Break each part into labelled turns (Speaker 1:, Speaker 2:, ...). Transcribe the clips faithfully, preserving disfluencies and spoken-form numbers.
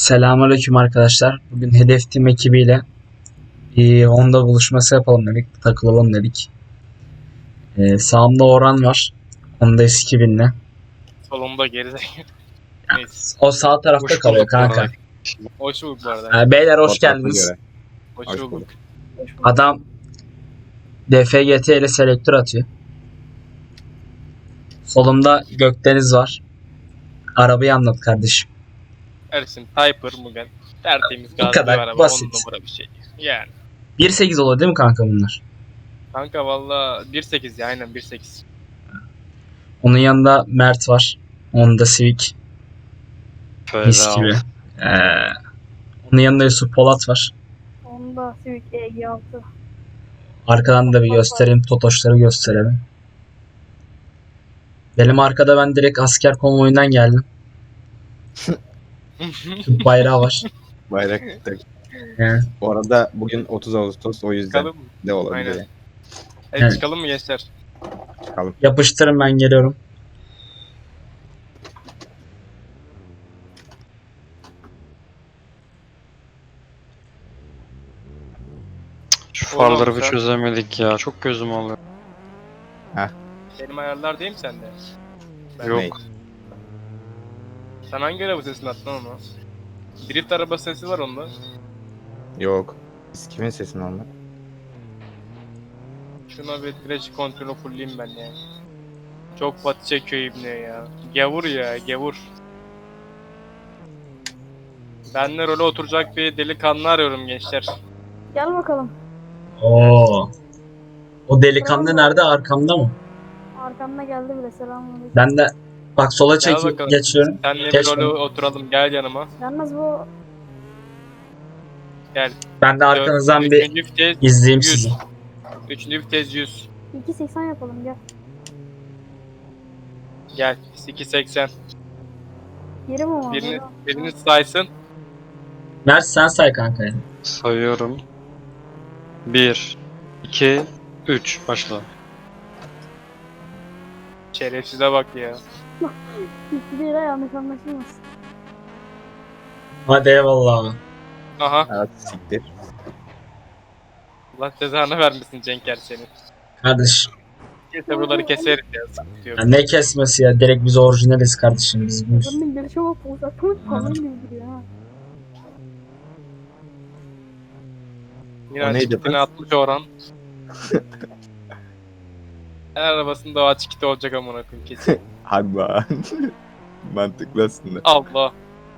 Speaker 1: Selamünaleyküm arkadaşlar. Bugün Hedef Team ekibiyle bir Honda buluşması yapalım dedik. Takılalım dedik. Ee, sağımda Orhan var. Honda S iki binle.
Speaker 2: Solumda geride. Neyse.
Speaker 1: O sağ tarafta
Speaker 3: Hoş
Speaker 1: kalıyor
Speaker 3: bulduk bu arada.
Speaker 1: kanka.
Speaker 2: Hoş bulduk bu arada.
Speaker 1: Ee, beyler hoş
Speaker 3: Fotoğrafa
Speaker 1: geldiniz.
Speaker 3: göre.
Speaker 2: Hoş,
Speaker 3: Hoş
Speaker 2: bulduk.
Speaker 3: bulduk.
Speaker 1: Adam D F G T ile selektör atıyor. Solumda Gökdeniz var. Arabayı anlat kardeşim.
Speaker 2: Ersin Typer bugün. Tertemiz
Speaker 1: Bu
Speaker 2: gazlı
Speaker 1: kadar
Speaker 2: bir araba.
Speaker 1: basit.
Speaker 2: On numara bir şey. Yani.
Speaker 1: bir sekiz oluyor değil mi kanka bunlar?
Speaker 2: Kanka valla bir sekiz ya aynen bir sekiz.
Speaker 1: Onun yanında Mert var. Honda Civic. Mis gibi. Ee, onun yanında Yusuf Polat var.
Speaker 4: Honda Civic E G altı.
Speaker 1: Arkadan da bir göstereyim. Totoşları gösterelim. Benim arkada ben direkt asker konvoyundan geldim. Türk bayrağı var.
Speaker 3: Bayrak tak.
Speaker 1: Yani,
Speaker 3: Bu arada bugün otuz Ağustos, o yüzden
Speaker 2: Çıkalım mı?
Speaker 3: de olabilir.
Speaker 2: Aynen.
Speaker 3: yani.
Speaker 2: Evet,
Speaker 1: Evet.
Speaker 2: çıkalım mı gençler?
Speaker 3: Çıkalım.
Speaker 1: yapıştırın ben geliyorum.
Speaker 3: Şu
Speaker 2: Oğlum,
Speaker 3: farları bir
Speaker 2: sen-
Speaker 3: çözemedik ya. Çok gözüm oluyor.
Speaker 2: Benim ayarlar değil mi sende? Ben-
Speaker 3: Yok.
Speaker 2: Sen hangi araba sesini attın onu? Drift araba sesi var onda.
Speaker 3: Yok. Biz kimin sesini almak?
Speaker 2: Şuna bir direnç kontrolü fulleyim ben ya. Çok batı çekiyor ibne ya. Gavur ya gavur. Ben de role oturacak bir delikanlı arıyorum gençler.
Speaker 4: Gel bakalım.
Speaker 1: Oo. O delikanlı nerede? Arkamda mı?
Speaker 4: Arkamda geldi bile, selamünaleyküm.
Speaker 1: Ben de bak sola
Speaker 2: Gel
Speaker 1: çekip
Speaker 2: bakalım.
Speaker 1: geçiyorum.
Speaker 2: Senle bir
Speaker 1: Geç
Speaker 2: role
Speaker 1: lan.
Speaker 2: oturalım gel yanıma.
Speaker 4: Yalnız bu
Speaker 2: Gel.
Speaker 1: Ben de arkanızdan bir
Speaker 2: Üçüncü vites
Speaker 1: izleyeyim
Speaker 2: yüz.
Speaker 1: sizi.
Speaker 2: Üçüncü vites yüz.
Speaker 4: iki seksen yapalım, gel.
Speaker 2: Gel. iki seksen.
Speaker 4: Geri mi var?
Speaker 2: Birini, birini saysın.
Speaker 1: Mert sen say kanka. ya.
Speaker 5: Sayıyorum. bir, iki, üç. Başla.
Speaker 2: Şerefsize bak ya.
Speaker 4: Hiçbir yere yanlış anlaşılmasın.
Speaker 1: Hadi eyvallah.
Speaker 2: Aha.
Speaker 3: Evet, siktir.
Speaker 2: Allah cezanı vermesin Cenker seni.
Speaker 1: Kardeş.
Speaker 2: Neyse buraları keseriz ya. Sıkıntı yok.
Speaker 1: Ya ne kesmesi ya? Direkt biz orijinaliz kardeşim. Biz bu.
Speaker 4: Bunun bir şey bak, uzaklık falan bildiriyor ha.
Speaker 2: Yine
Speaker 3: O neydi
Speaker 2: açık kitini
Speaker 3: kız?
Speaker 2: atmış Orhan. Her arabasında o açık kiti olacak amına koyayım kesin.
Speaker 3: Hadi be. Mantıklı aslında.
Speaker 2: Allah.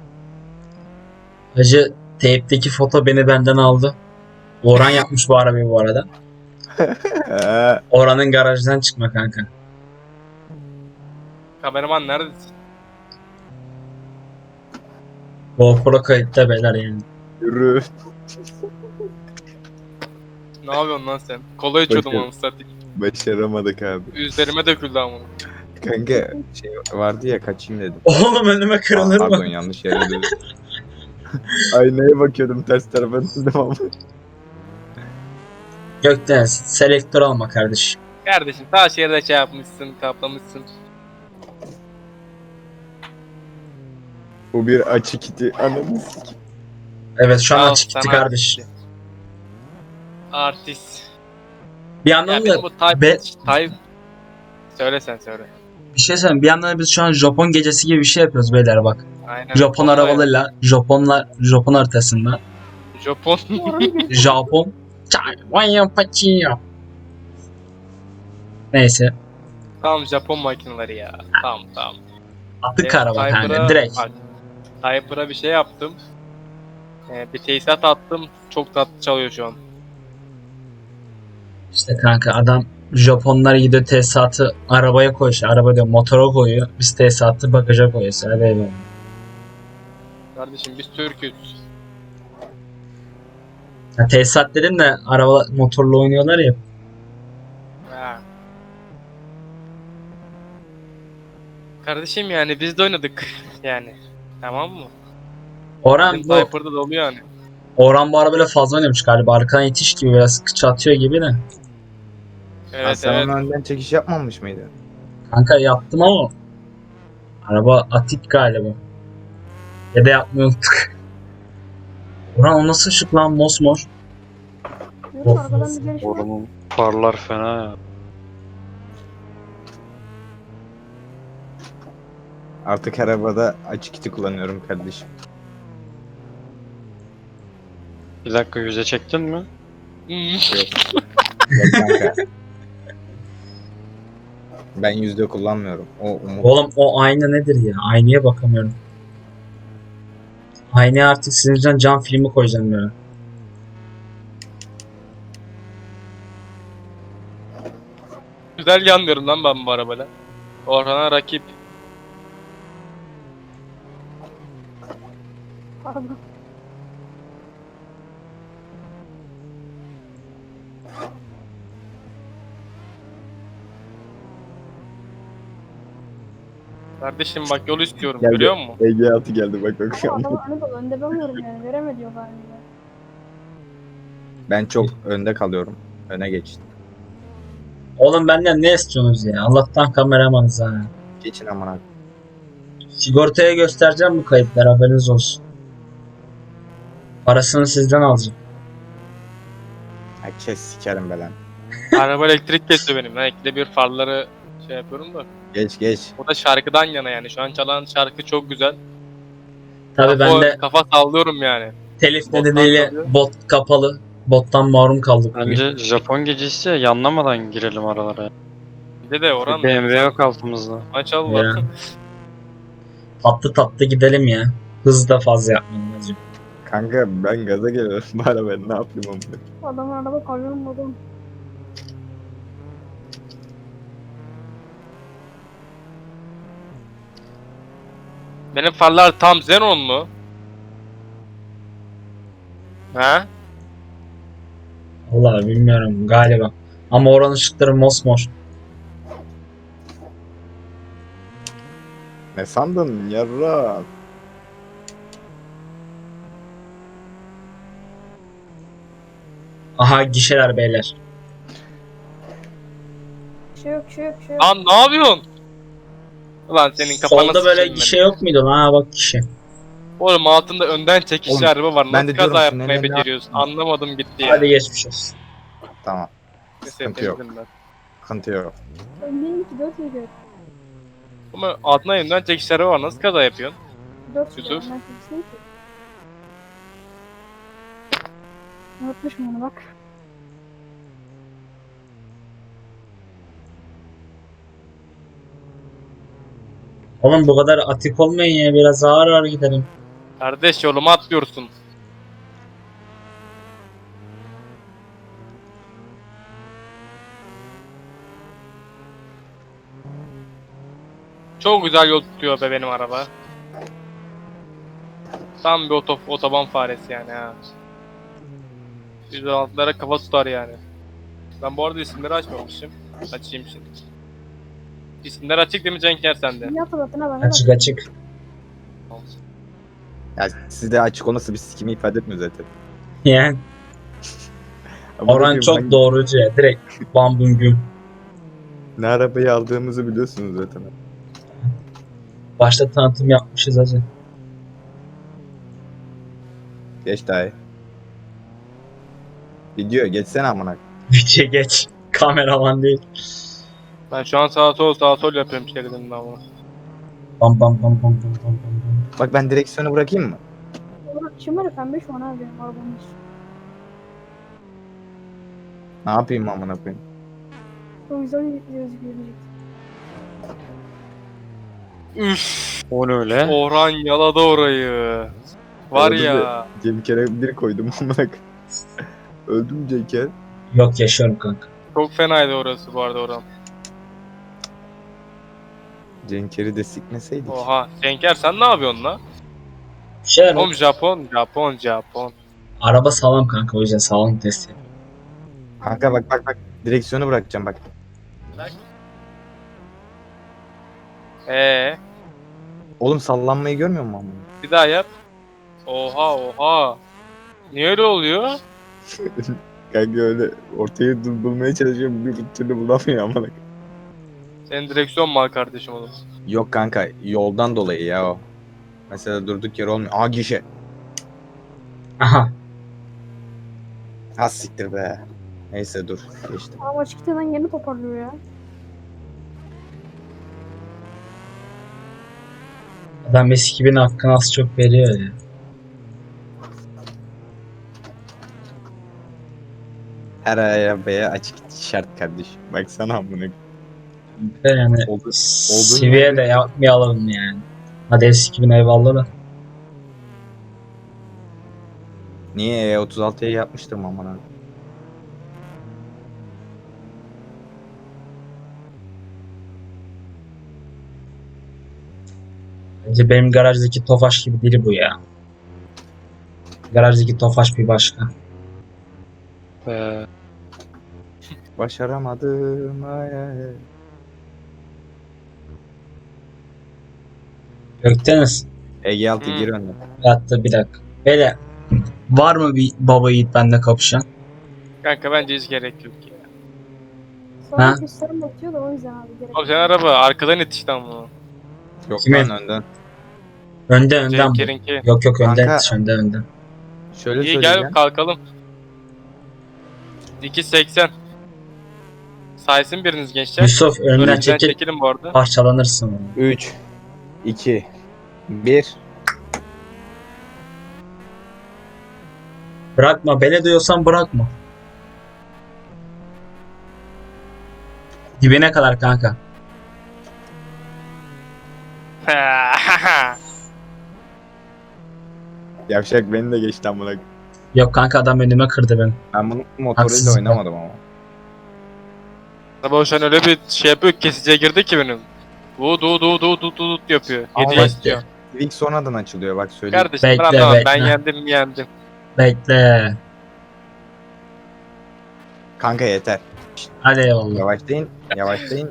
Speaker 1: Hacı teypteki foto beni benden aldı. Orhan yapmış bu arabayı bu arada.
Speaker 3: Ee,
Speaker 1: Orhan'ın garajdan çıkma kanka.
Speaker 2: Kameraman neredesin?
Speaker 1: GoPro kayıtta beyler yani.
Speaker 3: Yürü.
Speaker 2: Ne yapıyorsun lan sen? Kola içiyordum
Speaker 3: Bakıyorum.
Speaker 2: onu satayım.
Speaker 3: Başaramadık abi.
Speaker 2: Üzerime döküldü amına.
Speaker 3: Kanka şey vardı ya, kaçayım dedim.
Speaker 1: Oğlum önüme kırılır
Speaker 3: Pardon,
Speaker 1: mı?
Speaker 3: yanlış yere dedim. Aynaya bakıyordum, ters tarafa döndüm ama.
Speaker 1: Gökdeniz selektör alma kardeşim.
Speaker 2: Kardeşim ta şehirde şey yapmışsın, kaplamışsın.
Speaker 3: Bu bir açık iti. Anladın.
Speaker 1: Evet şu an
Speaker 2: Al,
Speaker 1: açık gitti
Speaker 2: sana
Speaker 1: kardeş.
Speaker 2: Artist.
Speaker 1: Bir
Speaker 2: Ya
Speaker 1: yandan
Speaker 2: benim
Speaker 1: da
Speaker 2: bu type,
Speaker 1: be-
Speaker 2: type... Söyle sen söyle.
Speaker 1: bir şey söyleyeyim. Bir yandan da biz şu an Japon gecesi gibi bir şey yapıyoruz beyler bak.
Speaker 2: Aynen.
Speaker 1: Japon
Speaker 2: Vallahi
Speaker 1: arabalarıyla Japonlar Japon haritasında
Speaker 2: Japon.
Speaker 4: Oranı bir
Speaker 1: Japon Taiwan Pachiyo. Neyse.
Speaker 2: Tamam Japon makineleri ya. Tamam tamam.
Speaker 1: Atık
Speaker 2: Benim
Speaker 1: araba kanka
Speaker 2: Typer'a-
Speaker 1: direkt.
Speaker 2: bak, Typer'a bir şey yaptım. Ee, bir tesisat attım. Çok tatlı çalıyor şu an.
Speaker 1: İşte kanka adam Japonlar gidiyor tesisatı arabaya koyuyor. İşte araba diyor motora koyuyor. Biz tesisatı bagaja koyuyoruz. Hadi eyvallah.
Speaker 2: Kardeşim biz Türk'üz.
Speaker 1: Ya tesisat dedim de araba motorla oynuyorlar ya.
Speaker 2: Ha. Kardeşim yani biz de oynadık yani. Tamam mı?
Speaker 1: Orhan
Speaker 2: Bizim
Speaker 1: bu
Speaker 2: Typer'da da oluyor yani.
Speaker 1: Orhan bu arabayla fazla oynamış galiba. Arkadan itiş gibi biraz kıç atıyor gibi de.
Speaker 2: Evet
Speaker 3: Hasan
Speaker 2: evet.
Speaker 3: önden çekiş yapmamış mıydı?
Speaker 1: Kanka yaptım ama araba atik galiba. Ya da yapmayı unuttuk. Orhan o nasıl ışık lan mosmor?
Speaker 4: Diyorum
Speaker 1: Of,
Speaker 4: arkadan
Speaker 1: of.
Speaker 4: bir gelişme.
Speaker 5: Oranın farlar fena ya.
Speaker 3: Artık arabada açık içi kullanıyorum kardeşim.
Speaker 5: Bir dakika yüze çektin mi?
Speaker 3: Yok. Yok kanka. Ben yüzde kullanmıyorum. O umut.
Speaker 1: Oğlum o ayna nedir ya? Aynaya bakamıyorum. Aynaya artık sizin yüzünden cam filmi koyacağım ya.
Speaker 2: Güzel yanmıyorum lan ben bu arabayla. Orhan'a rakip.
Speaker 4: Pardon.
Speaker 2: Kardeşim bak yol istiyorum
Speaker 3: Geldi.
Speaker 2: görüyor musun?
Speaker 3: E G altı geldi bak bak.
Speaker 4: Ama adamı önü dolu. Önde ben varım yani. Veremediyor galiba.
Speaker 3: Ben çok önde kalıyorum. Öne geçtim.
Speaker 1: Oğlum benden ne istiyorsunuz ya? Allah'tan kameramanız ha.
Speaker 3: Geçin amına.
Speaker 1: Sigortaya göstereceğim bu kayıtları, haberiniz olsun. Parasını sizden alacağım.
Speaker 3: Ya kes sikerim be lan.
Speaker 2: Araba elektrik kesiyor benim. Ben ikide bir farları şey yapıyorum da.
Speaker 3: Geç geç.
Speaker 2: O da şarkıdan yana yani. Şu an çalan şarkı çok güzel.
Speaker 1: Tabii ben
Speaker 2: Kafa,
Speaker 1: de
Speaker 2: kafa sallıyorum yani.
Speaker 1: telif
Speaker 2: Bottan
Speaker 1: nedeniyle
Speaker 2: kalıyor.
Speaker 1: bot kapalı. Bottan mahrum kaldık bugün.
Speaker 5: Bence Japon gecesi ya, yanlamadan girelim aralara.
Speaker 2: Bir de de Orhan.
Speaker 5: B M W yok altımızda.
Speaker 2: Maşallah.
Speaker 1: Ya. Tatlı tatlı gidelim ya. Hız da fazla yapmayın hacı.
Speaker 3: Kanka ben gaza geliyorum. Bana ben ne yapayım amına.
Speaker 4: Adamın araba kamyon modu.
Speaker 2: Benim farlar tam Xenon mu? Ha?
Speaker 1: Vallahi bilmiyorum galiba. Ama oranın ışıkları mosmor.
Speaker 3: Ne sandın yarra?
Speaker 1: Aha gişeler beyler.
Speaker 4: Bir şey yok, bir şey yok, bir şey yok.
Speaker 2: Lan ne yapıyorsun? Ulan senin kafana
Speaker 1: Solda böyle
Speaker 2: sıçayım ben.
Speaker 1: gişe yok muydu lan? Ha bak gişe.
Speaker 2: Oğlum altında önden çekişli
Speaker 3: Oğlum,
Speaker 2: araba var.
Speaker 3: ben
Speaker 2: Nasıl
Speaker 3: de
Speaker 2: kaza
Speaker 3: diyorum,
Speaker 2: yapmayı
Speaker 3: tünele ne
Speaker 2: beceriyorsun? Anlamadım gitti ya.
Speaker 1: Hadi geçmiş olsun.
Speaker 3: Tamam.
Speaker 2: Neyse,
Speaker 3: sıkıntı yok.
Speaker 2: temizledim ben.
Speaker 3: Sıkıntı yok.
Speaker 4: Öndeyim ki dört yedi.
Speaker 2: Ama altına önden çekişli araba var. Nasıl kaza yapıyorsun?
Speaker 4: Dört yedi. Ben
Speaker 2: Yusuf.
Speaker 4: kimsin ki? Unutmuşum onu bak.
Speaker 1: Oğlum bu kadar atik olmayın ya. Biraz ağır ağır gidelim.
Speaker 2: Kardeş yoluma atlıyorsun. Çok güzel yol tutuyor be benim araba. Tam bir oto otoban faresi yani ha. yüz altılara kafa tutar yani. Ben bu arada isimleri açmamışım. Açayım şimdi. İsimler açık değil mi Cenker sende?
Speaker 4: Niye hatırlatın ha bana bak.
Speaker 1: Açık açık.
Speaker 3: Ya sizde açık olması bir sikimi ifade etmiyor zaten.
Speaker 1: Yani
Speaker 3: Ama
Speaker 1: Orhan
Speaker 3: bakayım
Speaker 1: çok
Speaker 3: hangi-
Speaker 1: doğrucu ya. Direkt bam bum güm.
Speaker 3: Ne arabayı aldığımızı biliyorsunuz zaten.
Speaker 1: Başta tanıtım yapmışız hacı.
Speaker 3: Geç daha iyi. Video geçsene amına.
Speaker 1: Videoya geç. Kameraman değil.
Speaker 2: Ben şu an sağa sol sağa sol yapıyorum şeridimden ama.
Speaker 1: Bam bam bam bam bam bam bam.
Speaker 3: Bak ben direksiyonu bırakayım mı?
Speaker 4: Oğlum işim var ya pembe şu an abi benim arabamın içi.
Speaker 3: Ne yapayım amına koyayım?
Speaker 4: O yüzden gözüküyor diyecek.
Speaker 2: Üff,
Speaker 5: O ne öyle?
Speaker 2: Orhan yaladı orayı. Var
Speaker 3: Öldü
Speaker 2: ya.
Speaker 3: Cem kere bir koydum amına koyayım. Öldüm Ceker.
Speaker 1: Yok yaşıyorum kanka.
Speaker 2: Çok fenaydı orası bu arada Orhan.
Speaker 3: Cenker'i de sikmeseydik.
Speaker 2: Oha. Cenker sen ne yapıyorsun la?
Speaker 1: Bir şeyler
Speaker 2: Oğlum Japon, Japon, Japon.
Speaker 1: Araba sağlam kanka, o yüzden sağlam test yapıyorum.
Speaker 3: Kanka bak bak bak. Direksiyonu bırakacağım bak.
Speaker 2: Ee,
Speaker 3: Oğlum sallanmayı görmüyor musun amına?
Speaker 2: bir daha yap. Oha oha. Niye öyle oluyor?
Speaker 3: Kanka öyle ortayı bul- bulmaya çalışıyorum bir türlü bulamıyor amına koyayım.
Speaker 2: Senin direksiyon mal kardeşim oğlum.
Speaker 3: Yok kanka yoldan dolayı ya o. Mesela durduk yer olmuyor. Aa gişe.
Speaker 1: Aha.
Speaker 3: Ha siktir be. Neyse dur geçtim.
Speaker 4: Ama çıktığı yeni toparlıyor ya.
Speaker 1: Adam eski bin hakkını az çok veriyor ya.
Speaker 3: Her arabaya açık şart kardeşim. Baksana amına.
Speaker 1: Ve yani
Speaker 3: Oldu.
Speaker 1: seviye de yapmayalım yani. Hadi eski bin eyvallah da.
Speaker 3: Niye E otuz altıya yapmıştım amına.
Speaker 1: Bence benim garajdaki Tofaş gibi değil bu ya. Garajdaki Tofaş bir başka.
Speaker 5: Ee,
Speaker 3: Başaramadım. Ay, ay, ay.
Speaker 1: Gökdeniz.
Speaker 3: Ege altı
Speaker 2: Hmm.
Speaker 3: gir önüne.
Speaker 1: Hatta bir dakika. Böyle var mı bir baba yiğit benimle kapışan?
Speaker 2: Kanka bence hiç gerek yok ya.
Speaker 4: Sonra
Speaker 1: Ha?
Speaker 4: gösterim batıyor da o yüzden abi gerek.
Speaker 2: Abi sen araba arkadan yetiş lan bunu.
Speaker 3: Yok
Speaker 1: Kimin?
Speaker 3: lan önden.
Speaker 1: Önde önden bu.
Speaker 2: Cenk'erinki.
Speaker 1: Yok yok önden
Speaker 3: Kanka-
Speaker 1: yetiş, önde önden.
Speaker 3: Şöyle
Speaker 2: İyi
Speaker 3: söyleyeceğim.
Speaker 2: gel kalkalım. iki seksen. Saysın biriniz gençler.
Speaker 1: Yusuf önden
Speaker 2: Önümüzden
Speaker 1: çekil,
Speaker 2: çekilin bu arada.
Speaker 1: parçalanırsın.
Speaker 3: üç, iki, bir.
Speaker 1: Bırakma, beni diyorsan bırakma. Dibine kadar kanka.
Speaker 3: Yavşak beni de geçti amına.
Speaker 1: Yok kanka adam önüme kırdı beni.
Speaker 3: Ben bunu motoruyla
Speaker 1: Haksızlık.
Speaker 3: oynamadım ama.
Speaker 2: Sabah şu an öyle bir şey yapıyor ki kesiciye girdi ki benim. Du du du du du du yapıyor.
Speaker 3: Ama
Speaker 2: Hediye
Speaker 1: bak-
Speaker 2: istiyor.
Speaker 3: İlk sonradan açılıyor bak söyleyeyim.
Speaker 2: Kardeşim
Speaker 1: Bekle,
Speaker 2: ben anlamam. Ben
Speaker 1: bekle.
Speaker 2: yendim yendim.
Speaker 1: Bekle.
Speaker 3: Kanka yeter.
Speaker 1: Hadi eyvallah.
Speaker 3: Yavaşlayın. Yavaşlayın.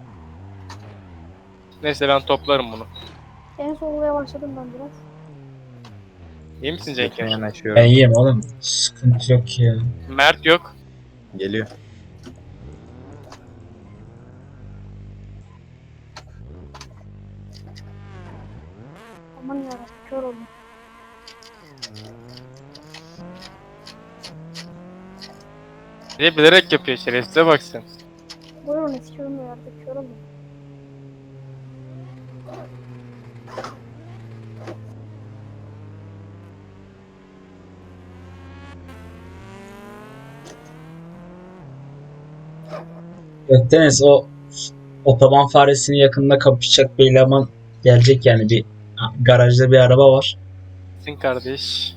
Speaker 2: Neyse ben toplarım bunu.
Speaker 4: En solluya başladım ben biraz.
Speaker 2: İyi misin
Speaker 3: Geçmeye
Speaker 2: Cenk?
Speaker 3: yanaşıyorum.
Speaker 1: Ben iyiyim oğlum. Sıkıntı yok ya.
Speaker 2: Mert yok.
Speaker 3: Geliyor.
Speaker 4: Aman yarabbim kör oldum.
Speaker 2: Bir de bilerek yapıyor şerefsize bak sen.
Speaker 4: Buyurun eski körüm de artık kör oldum.
Speaker 1: Gökdeniz o otoban faresinin yakında kapışacak bir eleman gelecek yani bir garajda bir araba var.
Speaker 2: Sin kardeş.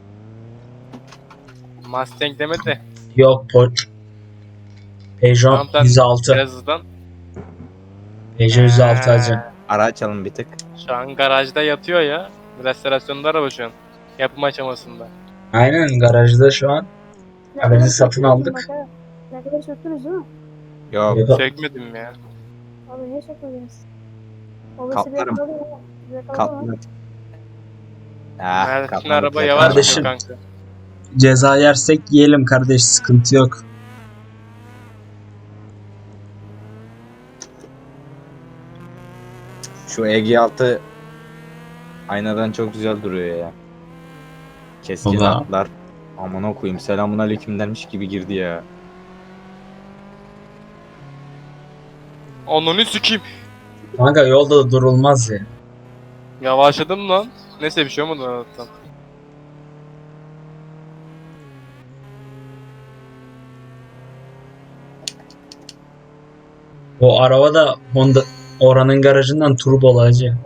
Speaker 2: Mustang deme de.
Speaker 1: Yok Pol Peugeot
Speaker 2: Tamam, tamam.
Speaker 1: yüz altı.
Speaker 2: Biraz hızlan.
Speaker 1: Peugeot yüz altı hacı.
Speaker 2: Ee,
Speaker 3: Ara açalım bir tık.
Speaker 2: Şu an garajda yatıyor ya. Restorasyonda araba şu an. Yapım aşamasında.
Speaker 1: Aynen garajda şu an.
Speaker 4: Ne
Speaker 1: Aracı
Speaker 4: kadar
Speaker 1: satın
Speaker 4: söktünüz
Speaker 1: aldık.
Speaker 4: bak ha. Ne kadar söktünüz değil mi?
Speaker 3: Yok.
Speaker 1: Yok.
Speaker 2: Sökmedim ya.
Speaker 4: Abi niye sökmediniz? Obesi bir
Speaker 3: Kaplarım.
Speaker 4: yakaladı ya. Bir yakaladı
Speaker 3: Katlanır.
Speaker 4: mı?
Speaker 3: Ah,
Speaker 2: Mert'in
Speaker 3: katlanır.
Speaker 2: araba yavaş
Speaker 1: Kardeşim.
Speaker 2: gidiyor kanka.
Speaker 1: Ceza yersek yiyelim kardeş, sıkıntı yok.
Speaker 3: Şu E G altı aynadan çok güzel duruyor ya. Keskin
Speaker 1: Baba.
Speaker 3: atlar. Aman okuyayım. Selamun aleyküm dermiş gibi girdi ya.
Speaker 2: Onunu sikeyim.
Speaker 1: Kanka yolda da durulmaz ya.
Speaker 2: Yavaşladım lan. Neyse bir şey olmadı Allah'tan.
Speaker 1: O araba da Honda oranın garajından turbo hacı.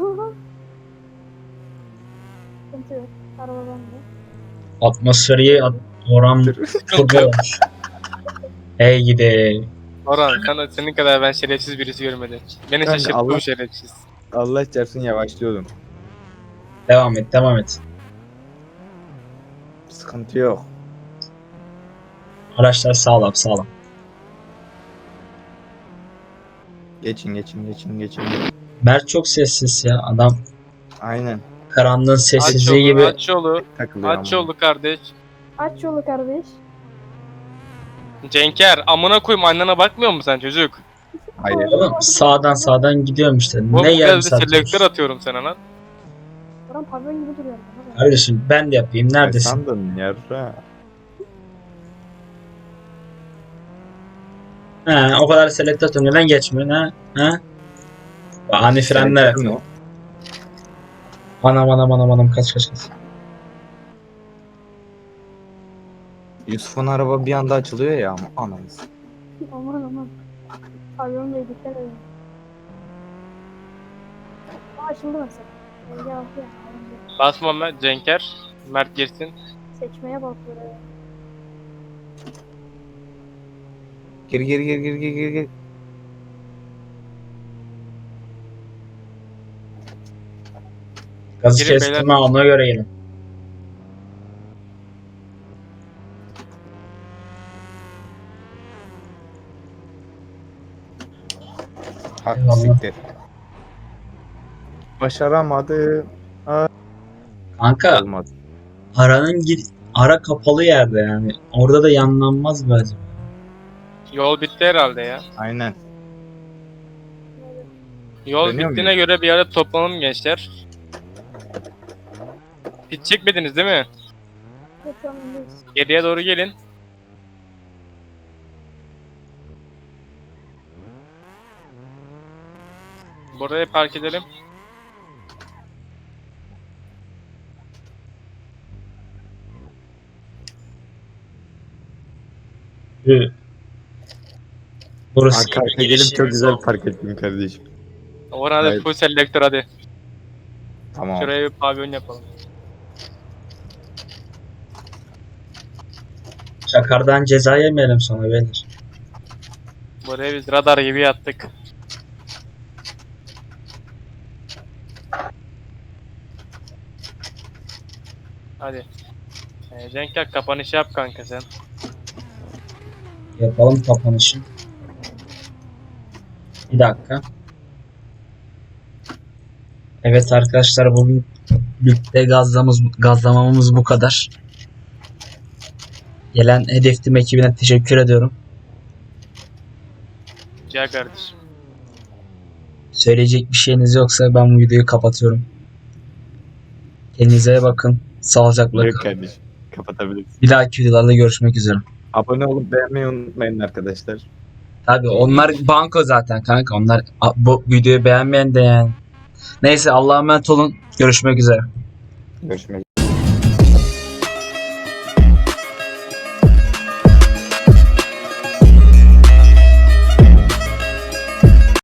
Speaker 4: Sıkıntı yok. Araba bende.
Speaker 1: Atmosferi at, oran turbo olmuş. Ey gidi.
Speaker 2: Orhan sen, senin kadar ben şerefsiz birisi görmedim. Beni
Speaker 3: Kanka,
Speaker 2: şaşırttı
Speaker 3: Allah-
Speaker 2: bu şerefsiz.
Speaker 3: Allah çarpsın yavaşlıyordum.
Speaker 1: Devam et, devam et.
Speaker 3: Sıkıntı yok.
Speaker 1: Araçlar sağlam sağlam.
Speaker 3: Geçin geçin geçin geçin.
Speaker 1: Mert çok sessiz ya. Adam
Speaker 3: Aynen.
Speaker 1: karanlığın
Speaker 2: Aç
Speaker 1: sessizliği
Speaker 2: yolu,
Speaker 1: gibi.
Speaker 2: aç yolu,
Speaker 3: Takılıyor
Speaker 2: aç
Speaker 3: ama.
Speaker 2: yolu kardeş.
Speaker 4: Aç yolu kardeş.
Speaker 2: Cenker, amına koyayım annene bakmıyor musun sen çocuk?
Speaker 3: Hayır.
Speaker 1: Oğlum sağdan sağdan gidiyorum işte.
Speaker 2: Bu
Speaker 1: Ne yarım
Speaker 2: biraz bir
Speaker 1: saat
Speaker 2: selektör
Speaker 1: olmuş?
Speaker 2: atıyorum sana lan.
Speaker 4: Orhan pavyon gibi duruyor. Bana bak.
Speaker 1: Kardeşim ben de yapayım.
Speaker 3: Ne
Speaker 1: Neredesin?
Speaker 3: sandın yarra?
Speaker 1: Ha, o kadar selektör tünelden geçmiyorsun ha? Ha? Ani frenler
Speaker 3: Selektör mü
Speaker 1: yapıyor. Anam anam anam anam kaç kaç kaç.
Speaker 3: Yusuf'un araba bir anda açılıyor ya ama anamız.
Speaker 4: Aman aman. Pavyon Bey dikkat edin. Aa, açıldı mesela. Ege altı ya. alındı.
Speaker 2: Basma Mert, Cenker. Mert girsin.
Speaker 4: Seçmeye bak böyle.
Speaker 3: Gir gir gir gir gir gir gir.
Speaker 1: Gazı
Speaker 2: Gelin
Speaker 1: kestim
Speaker 2: beyler.
Speaker 1: ha ona göre gelin.
Speaker 3: Ha,
Speaker 1: Eyvallah.
Speaker 3: siktir. Başaramadı.
Speaker 1: Kanka
Speaker 3: Olmadı.
Speaker 1: aranın gir ara kapalı yerde yani. Orada da yanlanmaz mı acaba?
Speaker 2: Yol bitti herhalde ya.
Speaker 3: Aynen.
Speaker 2: Yol
Speaker 3: Dönüyor
Speaker 2: bittiğine göre bir yerde toplanalım gençler. Hiç çekmediniz değil mi?
Speaker 4: Yok şu an öndeyiz.
Speaker 2: Geriye doğru gelin. Buraya park edelim.
Speaker 1: Hı. Burası
Speaker 3: Arka arkaya gelip çok güzel park ettin kardeşim.
Speaker 2: Orhan hadi
Speaker 3: Evet.
Speaker 2: full selektör hadi.
Speaker 3: Tamam.
Speaker 2: Şuraya bir pavyon yapalım.
Speaker 1: Çakardan ceza yemeyelim sonra beyler.
Speaker 2: Buraya biz radar gibi yattık. Hadi. Ee, Cenker kapanışı yap kanka sen.
Speaker 1: Yapalım kapanışı. Bir dakika. Evet arkadaşlar bugün birlikte gazlamamız, gazlamamız bu kadar. Gelen Hedef Team ekibine teşekkür ediyorum.
Speaker 2: Rica kardeşim.
Speaker 1: Söyleyecek bir şeyiniz yoksa ben bu videoyu kapatıyorum. Kendinize iyi bakın. Sağlıcakla
Speaker 3: Yok
Speaker 1: kalın.
Speaker 3: kardeşim. Kapatabiliriz.
Speaker 1: Bir dahaki videolarda görüşmek üzere.
Speaker 3: Abone olup beğenmeyi unutmayın arkadaşlar.
Speaker 1: Tabii onlar banko zaten kanka. Onlar a- bu videoyu beğenmeyen de yani. Neyse Allah'a emanet olun. Görüşmek üzere.
Speaker 3: Görüşmek